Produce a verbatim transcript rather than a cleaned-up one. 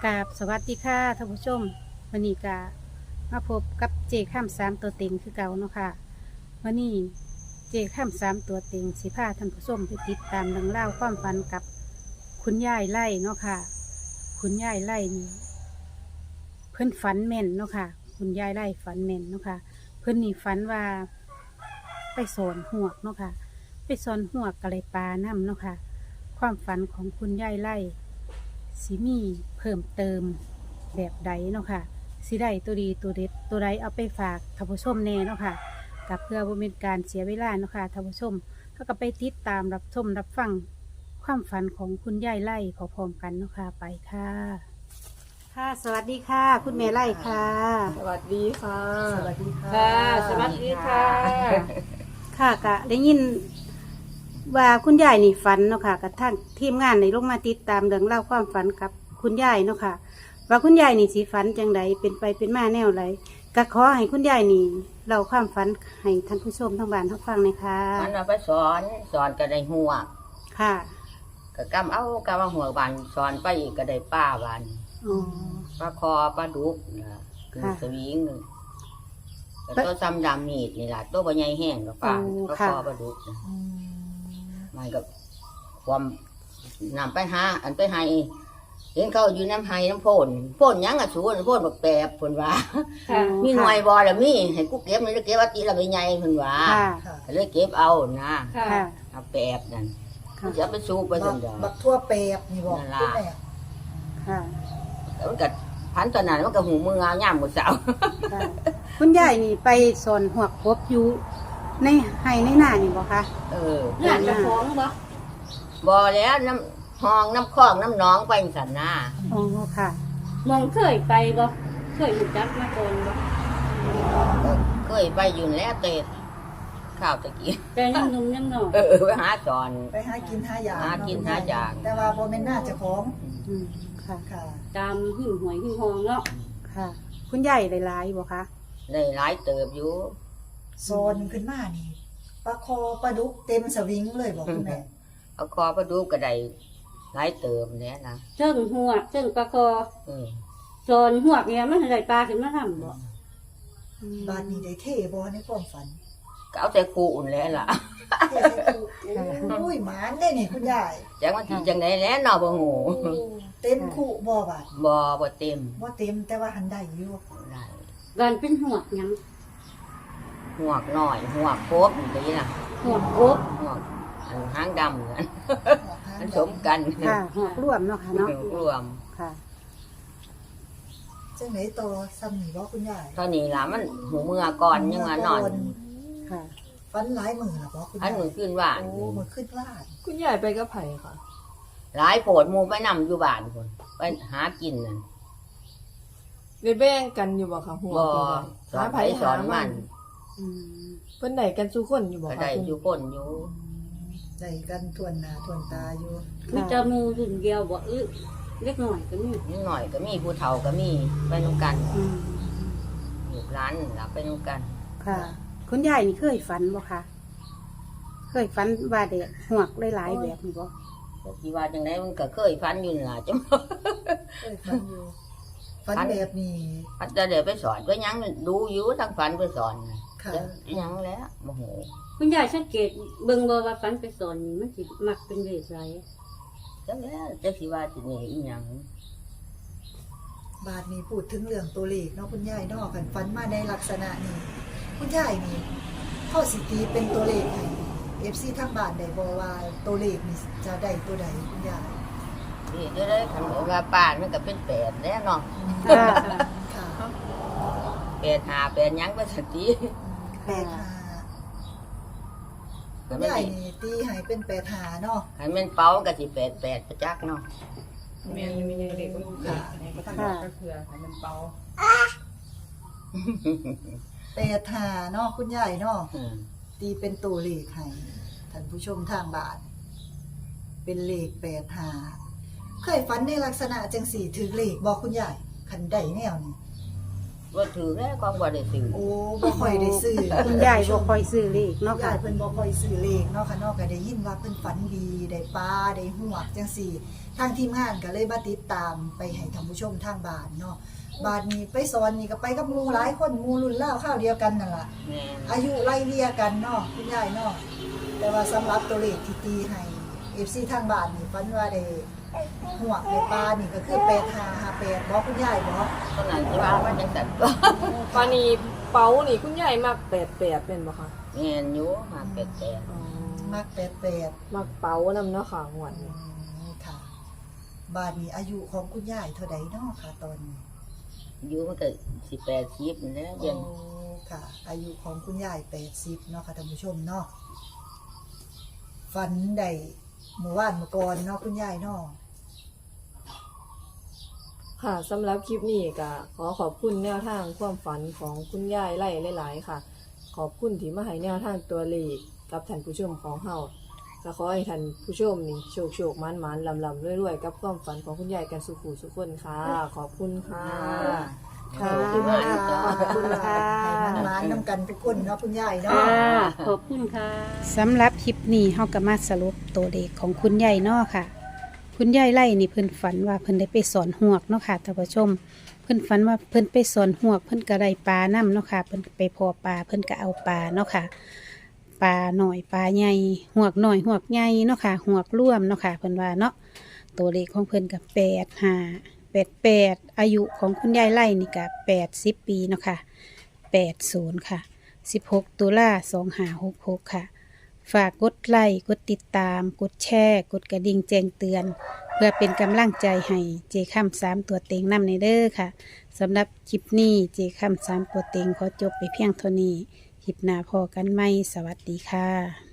กราบสวัสดีค่ะท่านผู้ชมวันนี้กามาพบกับเจข้ามสามตัวเต็งคือเก่าเนาะค่ะวันนี้เจข้ามสามตัวเต็งสิพาท่านผู้ชมไปติดตามเรื่องเล่าวความฝันกับคุณยายไล่เนาะค่ะ คุณยายไล่นี่เพิ่นฝันแม่นเนาะค่ะ คุณยายไล่ฝันแม่นเนาะค่ะ เพิ่นนี่ฝันว่าไปสอนหวกเนาะค่ะ ไปสอนหวกกะเลยปลาน้ำเนาะค่ะ ความฝันของคุณยายไล่สิมีเพิ่มเติมแบบใดเนาะค่ะสิได้ตัวดีตัวเด็ดตัวใดเอาไปฝากท่านผู้ชมแน่เนาะค่ะกับเพื่อบ่เป็นการเสียเวลาเนาะค่ะท่านผู้ชมเขาก็ไปติดตามรับชมรับฟังความฝันของคุณยายไล่พร้อมๆกันเนาะค่ะไปค่ะ ค่ะ สวัสดีค่ะ คุณแม่ไล่ค่ะสวัสดีค่ะสวัสดีค่ะค่ะสวัสดีค่ะค่ะกะได้ยินว่าคุณยายนี่ฝันเนาะค่ะกับทางทีมงานในลงมาติดตามเรื่องเล่าวความฝันกับคุณยายเนาะค่ะ ว่าคุณยายนี่สีฝันจังใดเป็นไปเป็นมาแนวไรก็ขอให้คุณยายนี่เล่าความฝันให้ท่านผู้ชมทั้งบ้านทั้งฟังเลยค่ะมันเอาไปสอนสอนก็ได้หัวค่ะก็กำเอากำเอาหัวบานสอนไปอีกก็ได้ป้าบานอ๋อปลาคอปลาดุกนะคือค่ะสวิงแต่ตัวซ้ำดำมีดนี่แหละตัวใบใหญ่แห้งกับป้าโอ้ปลาค่ะคอปลาดุกนะมันก็ความนำไปหาอันไปให้เห็นเขาอยู่น้ำไห้น้ำโพนโพนหยังอ่ะสูนโพนแบบแปบผนว่าค่ะมีหน่วยบอแล้วมีให้กูเก็บนี่แล้วเก็บว่าตีละใบใหญ่ผนว่าค่ะค่ะก็เลยเก็บเอานะค่ะค่ะเอาแปบนั่นค่ะจะเอาไปสูบไปบัสักนเดียวบักทั่วเปรบนี่บอกนั่นล่ะคุณแม่ค่ะแล้วมันก็พันตอนนั้นมันก็หูมือง่ามหมดเสาค่ะ คุณยายนี่ไปสอนหัวกบอยู่ในไห้ในหน้านี่บ่คะเอองานจะฟ้องบ่บ่แล้วน้ำห้องน้ำคลองน้ำหนองไปสันนาอ๋อค่ะมองเคยไปบ่เคยรู้จักมาก่อนบ่เคยไปอยู่แล้วเตะข้าวตะกี้แต่ยังหนุ่มยังน้อยเออไปหาสอนไปหากินหาอย่างหากินหาอย่างแต่ว่าบ่แม่นหน้าเจ้าของอืมค่ะค่ะตามหิ้งหวยหิ้งหองเนาะค่ะ คุณยายหลายๆบ่คะได้หลายเติบอยู่โซนขึ้นมานี่ปลาคอปลาดุกเต็มสวิงเลยบอกคุณแม่เอาคอไปดูก็ได้หลายเติบเนี้ยนะเชิงหัวเชิงปลาคอเออโซนหัวเนี่ยมันได้ปลาขึ้นมาทำบ่บ้านนี้ได้เท่บ่ในความฝันก็เอาแต่คู่อุ่นแล้วล่ะเท่ใส่ตู้โอ้ยหมานได้นี่คุณยายจังว่าที่จังไดแล้วเนาะบ่ฮู้โอ้เต็มคู่บ่บาดบ่บ่เต็มบ่เต็มแต่ว่าหันได้อยู่ได้กันเป็นหัวหยังหัวกน้อยหัวกโคบนี่ล่ะหัวกบหัวกอันหางดำนั่นหัวหางมันดสมกันค่ะหัวกรวมเนาะค่ะเนาะรวมค่ะจังไหนโตซ้ำนี่บ่คุณยายเท่านี้ล่ะมันหูเมื่อก่อนยังว่านอนค่ะฝันหลายมื้อล่ะบ่คุณอันยายมือขึ้นว่านโอ้มื้อขึ้นลาดคุณยายไปกับไผ่ค่ะหลายโผดหมูไปนำอยู่บ้านคนไปหากินนั่นได้แบ่งกันอยู่บ่ค่ะหัวบ่เป็นสอนหาไผไผ่สอนมันอืมเพิ่นได้กันสู่คนอยู่บ่ก็ค่ะได้อยู่คนอยู่ได้กันทวนหน้าทวนตาอยู่มีแต่หมูรุ่นเดียวบ่อึเล็กน้อยก็มีนิดหน่อยก็มีผู้เฒ่าก็มีไปนำกันอืมลูกร้านนั่นล่ะไปนำกันค่ะ คุณยายนี่เคยฝันบ่คะเคยฝันว่าเด็กหัวกหลายๆแบบนี้บ่แต่ที่ว่าจังไดมันก็เคยฟันอยู่นั่นล่ะจังเคยฝันอยู่ฝันแบบนี้พัดจะเดี๋ยวไปสอนไปหยังดูอยู่ทั้งฝันไปสอนน่ะค่ะจะหยังแล้วโมโหคุณยายสังเกตเบิ่งบ่ว่าฝันไปสอนนี่มันสิมักเป็นเลขไรจังแล้วจะสิว่าสินี่อีหยังบาทนี้พูดถึงเรื่องตัวเลขเนาะคุณยายเนาะกันฝันมาในลักษณะนี้คุณยายนี่ข้อสิตีเป็นตัวเลขให้ เอฟ ซี ทางบ้านได้บ่ว่าตัวเลขนี่จะได้ตัวใดคุณยายนี่จะได้คันว่าป่านมันก็เป็นแปดแล้วเนาะค่ะค่ะแปดหาแปดหยังไปสติแปดห้าคุณยายนี่ตีให้เป็นแปดห้าเนาะคันแมันเป้ามันก็สิแปดแปดประจักเนาะแม่ยังมีเด็กบ่รู้ค่ะก็ทำก็คือให้มันเป่าแปดห้าเนาะคุณยายเนาะอืมตีเป็นตัวเลขให้ท่านผู้ชมทางบ้าน เป็นเลขแปดห้าเคยฝันในลักษณะจังสี่ถือเลขบอกคุณยายคันใดแนวนี่ว่าถือแล้วความว่าได้ซื้อโอ้บ่ค่อยได้ซื้อคุณยายบ่ค่อยซื้อเลขเนาะเนาะค่ะค่ะเพิ่นบ่ค่อยซื้อเลขเนาะค่ะเนาะก็ได้ยินว่าเพิ่นฝันดีได้ปลาได้หวกจังซี่ทางทีมงานก็เลยมาติดตามไปให้ท่านผู้ชมทางบ้านเนาะบาดนี้ไปสอนนี่ก็ไปกับหมู่หลายคนหมู่รุ่นราวคราวเดียวกันนั่นล่ะแม่อายุไล่เลี่ยกันเนาะคุณยายเนาะแต่ว่าสำหรับตัวเลขที่ตีให้ เอฟ ซี ทางบ้านนี่ฝันว่าได้หวกได้ปลานี่ก็คือแปดห้าห้าแปดบ่คุณยายบ่ตอนนั้นที่ว่ามันจังซั่นก็ปานีเป๋านี่คุณยายมักแปดแปดเป็นบ่คะแม่นอยู่มาเป็ดแต่อ๋อมักแปดแปดมักเป๋านำเนาะค่ะหวดอืนี้มค่ะบาดนี้อายุของคุณยายเท่าใดเนาะค่ะตอนนี้อยู่มันก็สิแปดสิบนี่แหละเดี๋ยวนี้โอ้ค่ะ อายุของคุณยายแปดสิบเนาะค่ะท่านผู้ชมเนาะฝันได้เมื่อวานเมื่อก่อนเนาะคุณยายเนาะค่ะสำหรับคลิปนี้ก็ขอขอบคุณแนวทางความฝันของคุณยายไล่หลายๆค่ะ ขอบคุณที่มาให้แนวทางตัวเลขกับท่านผู้ชมของเฮาก็ขอให้ท่านผู้ชมนี่โชคโชคมันมันลำลำรวยๆกับความฝันของคุณยายกันสุขูสุขคนค่ะ ขอบคุณค่ะค่ะขอบคุณมากจ้ะขอบคุณค่ะให้มันร้านน้ำกันทุกคนเนาะคุณยายเนาะค่ะขอบคุณค่ะสำหรับคลิปนี้เฮาก็มาสรุปตัวเลขของคุณยายเนาะค่ะ คุณยายไล่นี่เพิ่นฝันว่าเพิ่นได้ไปสอนหวกเนาะค่ะท่านผู้ชม เพิ่นฝันว่าเพิ่นไปสอนหวก เพิ่นก็ได้ปลานํเนาะค่ะ เพิ่นไปพอปลาเพิ่นก็เอาปลาเนาะค่ะ ปลาหน่อยปลาใหญ่หวกหน่อยหวกใหญ่เนาะค่ะหวกร่วมเนาะค่ะเพิ่นว่าเนาะตัวเลขของเพิ่นก็แปดห้าแปดแปดอายุของคุณยายไล่นี่ก็แปดสิบปีเนาะค่ะแปดศูนย์ค่ะสิบหกตุลาสองห้าหกหกค่ะ ฝากกดไลค์กดติดตาม กดแชร์กดกระดิ่งแจ้งเตือน เพื่อเป็นกำลังใจให้เจค่ำสามตัวเต็งนำในเด้อค่ะสำหรับคลิปนี้เจค่ำสามตัวเต็งขอจบไปเพียงเท่านี้คลิปหน้าพอกันไหมสวัสดีค่ะ